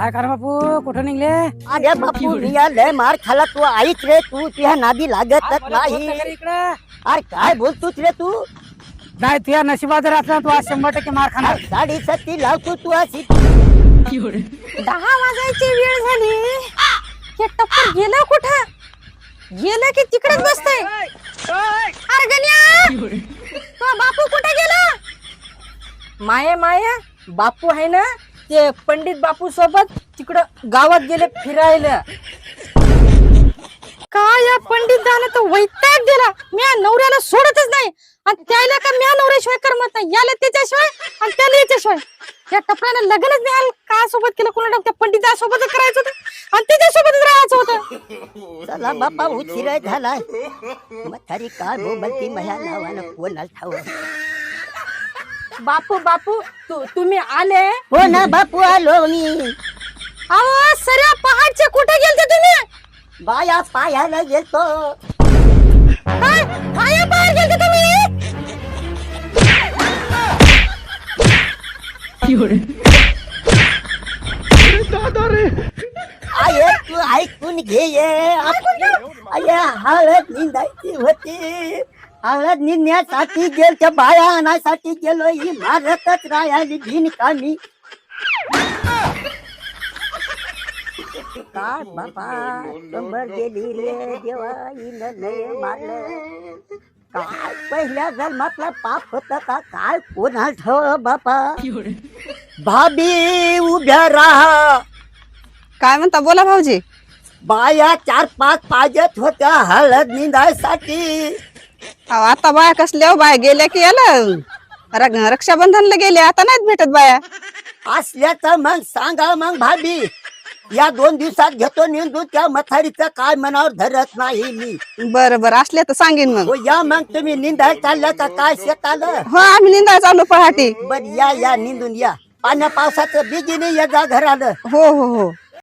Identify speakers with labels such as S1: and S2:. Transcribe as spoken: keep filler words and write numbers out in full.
S1: काय कर बापू कुठं निघले?
S2: अरे बापू मी लय मार खाला तू ऐक रे तू तुझ्या नादी लागतच नाही.
S1: इकडं
S2: अरे काय बोलतोस रे तू?
S1: नाही तुझ्या नशिबात जर असला तू आज शंभर टक्के मार खाणार.
S2: साडी सत्ती लावतो तू अशी.
S3: दहा वाजायची वेळ झाली. हे टप्पर गेलं कुठं? गेलं की तिकडेच बसतय. अरे गण्या तो बापू कुठे गेला? माया माया बापू आहे ना ते पंडित बापू सोबत तिकडं गावात गेले फिरायला. काय या पंडित झालं तर वैताग दिला. म्या नवऱ्याला सोडतच नाही आणि त्याला का म्या नवऱ्याशिवाय करमत नाही. याला त्याच्याशिवाय आणि त्याला याच्याशिवाय. या टपऱ्यानं लग्नच नाही का सोबत केलं कोणा त्या पंडिता सोबतच करायचं होतं आणि त्याच्यासोबतच राहायचं होतं.
S2: चला बापा उशीर झालाय. म्हातारी काय बोलती माझ्या नावानं कोणाला ठाव.
S3: बापू बापू तू तुम्ही आले?
S2: हो ना बापू आलो मी.
S3: अहो सऱ्या पहाडचे कुठे गेलते तुम्ही?
S2: बाया पायाला गेलतो.
S3: काय पाया पाया गेलते तुम्ही?
S2: आये तू ऐकून घे ये. आये हळद निंदायची होती. हळद निंदण्यासाठी गेल त्या बाया आणायसाठी गेलो. ही मारतच राहिली बिनकामी. काय बाबा शंभर गेली रे देवा हिनं नाही मारलं. काय पहिल्या जन्मातला पाप होत का काय कोणा ठेव बापा. भाभी उभ्या राहा.
S3: काय म्हणता बोला भाऊजी.
S2: बाया चार पाच पाहिजेत होत्या हळद निंदायसाठी.
S3: आता बाया कसल्या बाया गेल्या की याला रक्षाबंधनला गेल्या आता नाहीत भेटत बाया.
S2: असल्याचं मग सांगा मग भाभी. या दोन दिवसात घेतो निंदू त्या मथारीचं काय मनावर धरत नाही मी.
S3: बरं बरं असल्या तर सांगेन मग.
S2: हो या मग तुम्ही निंदायला चालल्या का काय शेताला?
S3: हो आम्ही निंदाय चालू पहाटे.
S2: बर या या निंदून या. पाण्या पावसाचं बिगिनी या जा घराला.
S3: हो हो हो